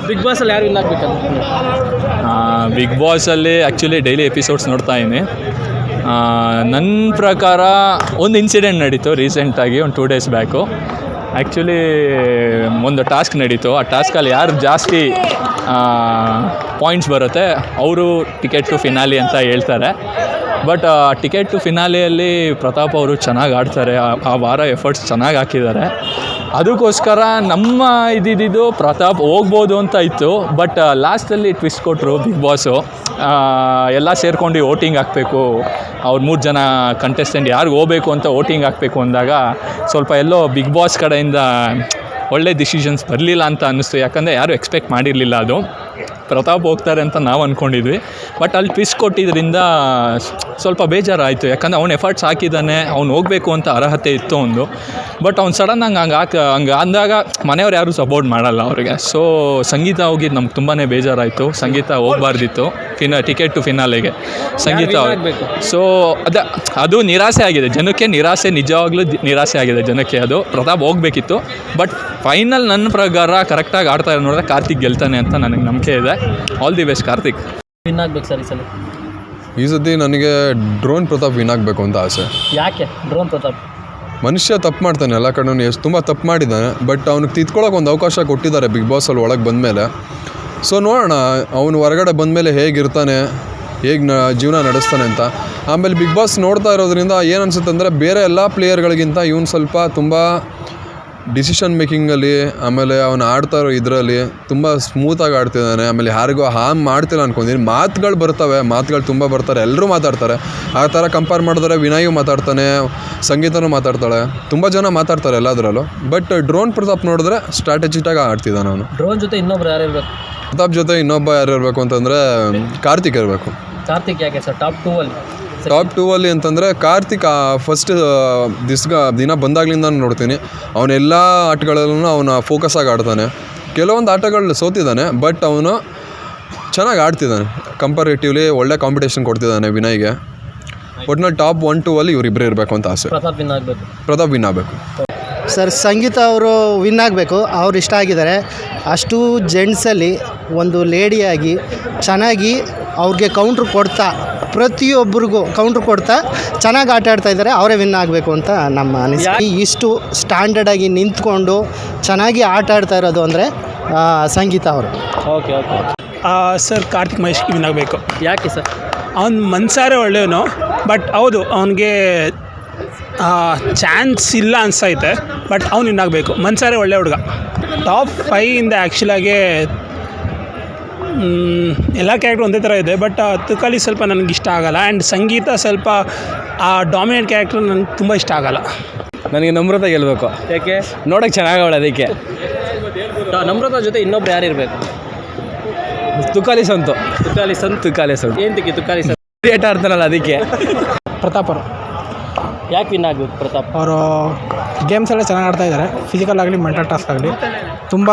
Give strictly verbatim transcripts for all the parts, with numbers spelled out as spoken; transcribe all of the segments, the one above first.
Big ಬಾಸಲ್ಲಿ ಯಾರು win ಆಗಬೇಕಂತ? Big ಬಾಸಲ್ಲಿ ಆ್ಯಕ್ಚುಲಿ ಡೈಲಿ ಎಪಿಸೋಡ್ಸ್ ನೋಡ್ತಾ ಇದ್ದೀನಿ. ನನ್ನ ಪ್ರಕಾರ ಒಂದು ಇನ್ಸಿಡೆಂಟ್ ನಡೀತು ರೀಸೆಂಟಾಗಿ ಒಂದು ಟೂ ಡೇಸ್ ಬ್ಯಾಕು. ಆ್ಯಕ್ಚುಲಿ ಒಂದು ಟಾಸ್ಕ್ ನಡೀತು. ಆ ಟಾಸ್ಕಲ್ಲಿ ಯಾರು ಜಾಸ್ತಿ ಪಾಯಿಂಟ್ಸ್ ಬರುತ್ತೆ ಅವರು ಟಿಕೆಟ್ ಟು ಫಿನಾಲಿ ಅಂತ ಹೇಳ್ತಾರೆ. ಬಟ್ ಟಿಕೆಟ್ ಟು ಫಿನಾಲಿಯಲ್ಲಿ ಪ್ರತಾಪ್ ಅವರು ಚೆನ್ನಾಗಿ ಆಡ್ತಾರೆ. ಆ ವಾರ ಎಫರ್ಟ್ಸ್ ಚೆನ್ನಾಗಿ ಹಾಕಿದ್ದಾರೆ. ಅದಕ್ಕೋಸ್ಕರ ನಮ್ಮ ಇದ್ದಿದ್ದು ಪ್ರತಾಪ್ ಹೋಗ್ಬೋದು ಅಂತ ಇತ್ತು. ಬಟ್ ಲಾಸ್ಟಲ್ಲಿ ಟ್ವಿಸ್ಟ್ ಕೊಟ್ಟರು ಬಿಗ್ ಬಾಸು. ಎಲ್ಲ ಸೇರ್ಕೊಂಡು ವೋಟಿಂಗ್ ಹಾಕಬೇಕು, ಅವ್ರು ಮೂರು ಜನ ಕಂಟೆಸ್ಟೆಂಟ್ ಯಾರಿಗೆ ಹೋಗಬೇಕು ಅಂತ ವೋಟಿಂಗ್ ಹಾಕಬೇಕು ಅಂದಾಗ ಸ್ವಲ್ಪ ಎಲ್ಲೋ ಬಿಗ್ ಬಾಸ್ ಕಡೆಯಿಂದ ಒಳ್ಳೆ ಡಿಸಿಷನ್ಸ್ ಬರಲಿಲ್ಲ ಅಂತ ಅನ್ನಿಸ್ತು. ಯಾಕಂದರೆ ಯಾರೂ ಎಕ್ಸ್ಪೆಕ್ಟ್ ಮಾಡಿರಲಿಲ್ಲ ಅದು ಪ್ರತಾಪ್ ಹೋಗ್ತಾರೆ ಅಂತ ನಾವು ಅಂದ್ಕೊಂಡಿದ್ವಿ. ಬಟ್ ಅಲ್ಲಿ ಟ್ವಿಸ್ಟ್ ಕೊಟ್ಟಿದ್ದರಿಂದ ಸ್ವಲ್ಪ ಬೇಜಾರಾಯಿತು. ಯಾಕಂದರೆ ಅವ್ನು ಎಫರ್ಟ್ಸ್ ಹಾಕಿದ್ದಾನೆ, ಅವ್ನು ಹೋಗಬೇಕು ಅಂತ ಅರ್ಹತೆ ಇತ್ತು ಒಂದು. ಬಟ್ ಅವ್ನು ಸಡನ್ನಾಗಿ ಹಂಗೆ ಹಾಕಿ ಹಂಗೆ ಅಂದಾಗ ಮನೆಯವ್ರು ಯಾರೂ ಸಪೋರ್ಟ್ ಮಾಡಲ್ಲ ಅವ್ರಿಗೆ. ಸೊ ಸಂಗೀತ ಹೋಗಿದ್ದು ನಮ್ಗೆ ತುಂಬಾ ಬೇಜಾರಾಯಿತು. ಸಂಗೀತ ಹೋಗಬಾರ್ದಿತ್ತು ಫಿನ ಟಿಕೆಟ್ ಟು ಫಿನಾಲೆಗೆ ಸಂಗೀತ. ಸೊ ಅದ ಅದು ನಿರಾಸೆ ಆಗಿದೆ ಜನಕ್ಕೆ. ನಿರಾಸೆ ನಿಜವಾಗ್ಲೂ ನಿರಾಸೆ ಆಗಿದೆ ಜನಕ್ಕೆ. ಅದು ಪ್ರತಾಪ್ ಹೋಗಬೇಕಿತ್ತು. ಬಟ್ ಫೈನಲ್ ನನ್ನ ಪ್ರಕಾರ ಕರೆಕ್ಟಾಗಿ ಆಡ್ತಾ ಇರೋ ನೋಡಿದ್ರೆ ಕಾರ್ತಿಕ್ ಗೆಲ್ತಾನೆ ಅಂತ ನನಗೆ ನಂಬಿಕೆ ಇದೆ. All the best Karthik. Win ಆಗಬೇಕು ಸರ್ ಈ ಸಲ? ಈ ಸತಿ ನನಗೆ ಡ್ರೋನ್ ಪ್ರತಾಪ್ ವಿನ್ ಆಗಬೇಕು ಅಂತ ಆಸೆ. ಯಾಕೆ ಡ್ರೋನ್ ಪ್ರತಾಪ್? ಮನುಷ್ಯ ತಪ್ಪು ಮಾಡ್ತಾನೆ, ಎಲ್ಲ ಕಡೆ ಎಷ್ಟು ತುಂಬ ತಪ್ಪು ಮಾಡಿದ್ದಾನೆ. ಬಟ್ ಅವ್ನಿಗೆ ತಿದ್ಕೊಳ್ಳೋಕೆ ಒಂದು ಅವಕಾಶ ಕೊಟ್ಟಿದ್ದಾರೆ ಬಿಗ್ ಬಾಸಲ್ಲಿ ಒಳಗೆ ಬಂದಮೇಲೆ. ಸೊ ನೋಡೋಣ ಅವನು ಹೊರಗಡೆ ಬಂದಮೇಲೆ ಹೇಗಿರ್ತಾನೆ, ಹೇಗೆ ನ ಜೀವನ ನಡೆಸ್ತಾನೆ ಅಂತ. ಆಮೇಲೆ ಬಿಗ್ ಬಾಸ್ ನೋಡ್ತಾ ಇರೋದ್ರಿಂದ ಏನು ಅನಿಸುತ್ತೆ ಅಂದರೆ ಬೇರೆ ಎಲ್ಲ ಪ್ಲೇಯರ್ಗಳಿಗಿಂತ ಇವನು ಸ್ವಲ್ಪ ತುಂಬ ಡಿಸಿಷನ್ ಮೇಕಿಂಗಲ್ಲಿ, ಆಮೇಲೆ ಅವನು ಆಡ್ತಾ ಇರೋ ಇದರಲ್ಲಿ ತುಂಬ ಸ್ಮೂತಾಗಿ ಆಡ್ತಿದ್ದಾನೆ. ಆಮೇಲೆ ಯಾರಿಗೂ ಹಾಮ್ ಮಾಡ್ತಿಲ್ಲ ಅನ್ಕೊಂಡಿದ್ದೀನಿ. ಮಾತುಗಳು ಬರ್ತವೆ, ಮಾತುಗಳು ತುಂಬ ಬರ್ತಾರೆ, ಎಲ್ಲರೂ ಮಾತಾಡ್ತಾರೆ. ಆ ಥರ ಕಂಪೇರ್ ಮಾಡಿದ್ರೆ ವಿನಯು ಮಾತಾಡ್ತಾನೆ, ಸಂಗೀತನೂ ಮಾತಾಡ್ತಾಳೆ, ತುಂಬ ಜನ ಮಾತಾಡ್ತಾರೆ ಎಲ್ಲದರಲ್ಲೂ. ಬಟ್ ಡ್ರೋನ್ ಪ್ರತಾಪ್ ನೋಡಿದ್ರೆ ಸ್ಟ್ರಾಟಜಿಟಾಗಿ ಆಡ್ತಿದ್ದಾನೆ ಅವನು. ಡ್ರೋನ್ ಜೊತೆ ಇನ್ನೊಬ್ರು ಯಾರು ಇರಬೇಕು? ಪ್ರತಾಪ್ ಜೊತೆ ಇನ್ನೊಬ್ಬ ಯಾರು ಇರಬೇಕು ಅಂತಂದರೆ ಕಾರ್ತಿಕ್ ಇರಬೇಕು. ಕಾರ್ತಿಕ್ ಯಾಕೆ ಸರ್ ಟಾಪ್ ಟೂ ಅಲ್ಲಿ? ಟಾಪ್ ಟೂ ಅಲ್ಲಿ ಅಂತಂದರೆ ಕಾರ್ತಿಕ್ ಫಸ್ಟ್ ದಿಸ್ಗ ದಿನ ಬಂದಾಗ್ಲಿಂದ ನೋಡ್ತೀನಿ. ಅವನೆಲ್ಲ ಆಟಗಳಲ್ಲೂ ಅವನ ಫೋಕಸ್ಸಾಗಿ ಆಡ್ತಾನೆ. ಕೆಲವೊಂದು ಆಟಗಳು ಸೋತಿದ್ದಾನೆ, ಬಟ್ ಅವನು ಚೆನ್ನಾಗಿ ಆಡ್ತಿದ್ದಾನೆ. ಕಂಪೇರೇಟಿವ್ಲಿ ಒಳ್ಳೆ ಕಾಂಪಿಟೇಷನ್ ಕೊಡ್ತಿದ್ದಾನೆ ವಿನಯ್ಗೆ. ಒಟ್ನಲ್ಲಿ ಟಾಪ್ ಒನ್ ಟೂ ಅಲ್ಲಿ ಇವರಿಬ್ಬರೇ ಇರಬೇಕು ಅಂತ ಆಸೆ. ಪ್ರತಾಪ್ ವಿನ್ ಆಗಬೇಕು. ಪ್ರತಾಪ್ ವಿನ್ ಆಗಬೇಕು ಸರ್. ಸಂಗೀತ ಅವರು ವಿನ್ ಆಗಬೇಕು. ಅವ್ರು ಇಷ್ಟ ಆಗಿದ್ದಾರೆ. ಅಷ್ಟು ಜೆಂಟ್ಸಲ್ಲಿ ಒಂದು ಲೇಡಿಯಾಗಿ ಚೆನ್ನಾಗಿ ಅವ್ರಿಗೆ ಕೌಂಟ್ರ್ ಕೊಡ್ತಾ, ಪ್ರತಿಯೊಬ್ಬರಿಗೂ ಕೌಂಟ್ರ್ ಕೊಡ್ತಾ ಚೆನ್ನಾಗಿ ಆಟ ಆಡ್ತಾ ಇದ್ದಾರೆ. ಅವರೇ ವಿನ್ ಆಗಬೇಕು ಅಂತ ನಮ್ಮ ಅನಿಸಿಕೆ. ಇಷ್ಟು ಸ್ಟ್ಯಾಂಡರ್ಡಾಗಿ ನಿಂತ್ಕೊಂಡು ಚೆನ್ನಾಗಿ ಆಟ ಆಡ್ತಾ ಇರೋದು ಅಂದರೆ ಸಂಗೀತ ಅವರು. Okay okay sir Karthik Mahesh win ಆಗಬೇಕು. ಯಾಕೆ ಸರ್? ಅವ್ನು ಮನ್ಸಾರೆ ಒಳ್ಳೆಯವನು. ಬಟ್ ಹೌದು ಅವನಿಗೆ ಚಾನ್ಸ್ ಇಲ್ಲ ಅನಿಸ್ತೈತೆ. ಬಟ್ ಅವ್ನು ವಿನ್ ಆಗಬೇಕು. ಮನ್ಸಾರೆ ಒಳ್ಳೆ ಹುಡುಗ. ಟಾಪ್ ಫೈವಿಂದ ಆ್ಯಕ್ಚುಲಾಗಿ ಎಲ್ಲ ಕ್ಯಾರೆಕ್ಟ್ರ್ ಒಂದೇ ಥರ ಇದೆ. ಬಟ್ ತುಕಾಲಿ ಸ್ವಲ್ಪ ನನಗೆ ಇಷ್ಟ ಆಗೋಲ್ಲ. ಆ್ಯಂಡ್ ಸಂಗೀತ ಸ್ವಲ್ಪ ಆ ಡಾಮಿನೇಟ್ ಕ್ಯಾರೆಕ್ಟ್ರ್ ನನಗೆ ತುಂಬ ಇಷ್ಟ ಆಗೋಲ್ಲ. ನನಗೆ ನಮ್ರತ ಗೆಲ್ಲಬೇಕು. ಯಾಕೆ? ನೋಡೋಕ್ಕೆ ಚೆನ್ನಾಗವಳೆ ಅದಕ್ಕೆ. ನಮ್ರತ ಜೊತೆ ಇನ್ನೊಬ್ರು ಯಾರು ಇರಬೇಕು? ತುಕಾಲಿ ಸಂತು. ತುಕಾಲಿ ಸಂತು. ತುಕಾಲಿ ಸಂತು ಏನು ತಿಕ್ಕಿ ತುಕಾಲಿ ಸಂತು ಏಟ್ ಆಡ್ತಾನಲ್ಲ ಅದಕ್ಕೆ. ಪ್ರತಾಪ್ ಅವರು ಯಾಕೆ ವಿನ್ ಆಗಬೇಕು? ಪ್ರತಾಪ್ ಅವರು ಗೇಮ್ಸ್ ಎಲ್ಲ ಚೆನ್ನಾಗಿ ಆಡ್ತಾ ಇದ್ದಾರೆ. ಫಿಸಿಕಲ್ ಆಗಲಿ ಮೆಂಟಲ್ ಟಾಸ್ಕ್ ಆಗಲಿ ತುಂಬ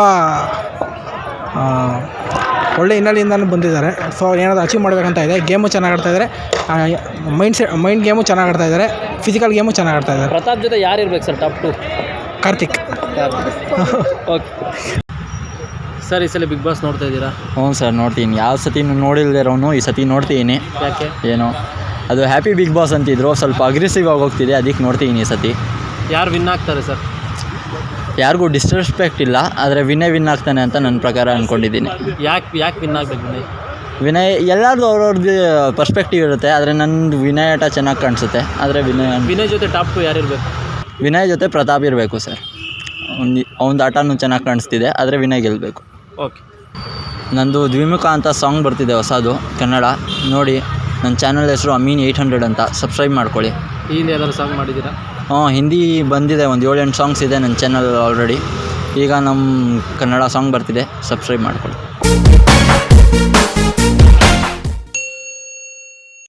ಒಳ್ಳೆ ಹಿನ್ನೆಲೆಯಿಂದಲೂ ಬಂದಿದ್ದಾರೆ. ಸೊ ಏನಾದರೂ ಅಚೀವ್ ಮಾಡಬೇಕಂತ ಇದೆ. ಗೇಮು ಚೆನ್ನಾಗಿ ಆಡ್ತಾ ಇದ್ದಾರೆ. ಮೈಂಡ್ ಸೆ ಮೈಂಡ್ ಗೇಮು ಚೆನ್ನಾಗಿ ಆಡ್ತಾ ಇದ್ದಾರೆ. ಫಿಸಿಕಲ್ ಗೇಮು ಚೆನ್ನಾಗಿ ಆಡ್ತಾ ಇದ್ದಾರೆ. ಪ್ರತಾಪ್ ಜೊತೆ ಯಾರು ಇರ್ಬೇಕು sir top two? Karthik. Okay sir, ಈ ಸಲ ಬಿಗ್ ಬಾಸ್ ನೋಡ್ತಾ ಇದ್ದೀರಾ? ಹ್ಞೂ ಸರ್, ನೋಡ್ತೀನಿ. ಯಾವ ಸತಿ ನೋಡಿಲ್ದಿರೋನು ಈ ಸತಿ ನೋಡ್ತೀನಿ. ಯಾಕೆ? ಏನೋ ಅದು ಹ್ಯಾಪಿ ಬಿಗ್ ಬಾಸ್ ಅಂತಿದ್ರು, ಸ್ವಲ್ಪ ಅಗ್ರೆಸಿವ್ ಆಗಿ ಹೋಗ್ತಿದೆ, ಅದಕ್ಕೆ ನೋಡ್ತೀನಿ ಈ ಸತಿ. ಯಾರು ವಿನ್ ಆಗ್ತಾರೆ ಸರ್? ಯಾರಿಗೂ ಡಿಸ್ರೆಸ್ಪೆಕ್ಟ್ ಇಲ್ಲ, ಆದರೆ ವಿನಯ್ ವಿನ್ ಆಗ್ತಾನೆ ಅಂತ ನನ್ನ ಪ್ರಕಾರ ಅಂದ್ಕೊಂಡಿದ್ದೀನಿ. ಯಾಕೆ ಯಾಕೆ ವಿನ್ ಆಗಬೇಕು ವಿನಯ್? ವಿನಯ್ ಎಲ್ಲರದು ಅವ್ರವ್ರದ್ದು ಪರ್ಸ್ಪೆಕ್ಟಿವ್ ಇರುತ್ತೆ. ಆದರೆ ನನ್ನದು ವಿನಯ್ ಆಟ ಚೆನ್ನಾಗಿ ಕಾಣಿಸುತ್ತೆ. ಆದರೆ ವಿನಯ್ ವಿನಯ್ ಜೊತೆ ಟಾಪ್ ಟು ಯಾರು ಇರಬೇಕು? ವಿನಯ್ ಜೊತೆ ಪ್ರತಾಪ್ ಇರಬೇಕು ಸರ್. ಅವ್ನು ಅವ್ನದು ಆಟನೂ ಚೆನ್ನಾಗಿ ಕಾಣಿಸ್ತಿದೆ, ಆದರೆ ವಿನಯ್ ಗೆಲ್ಲಬೇಕು. ಓಕೆ. ನಂದು ದ್ವಿಮುಖ ಅಂತ ಸಾಂಗ್ ಬರ್ತಿದೆ ಹೊಸದು, ಕನ್ನಡ. ನೋಡಿ, ನನ್ನ ಚಾನಲ್ ಹೆಸರು ಅಮೀನ್ ಏಯ್ಟ್ ಹಂಡ್ರೆಡ್ ಅಂತ. ಸಬ್ಸ್ಕ್ರೈಬ್ ಮಾಡ್ಕೊಳ್ಳಿ. ಹಿಂದಿ ಯಾವ್ದಾದ್ರು ಸಾಂಗ್ ಮಾಡಿದ್ದೀರಾ? ಹಾಂ, ಹಿಂದಿ ಬಂದಿದೆ. ಒಂದು ಏಳು ಎಂಟು ಸಾಂಗ್ಸ್ ಇದೆ ನನ್ನ ಚಾನಲ್ ಆಲ್ರೆಡಿ. ಈಗ ನಮ್ಮ ಕನ್ನಡ ಸಾಂಗ್ ಬರ್ತಿದೆ, ಸಬ್ಸ್ಕ್ರೈಬ್ ಮಾಡ್ಕೊಳ್ಳಿ.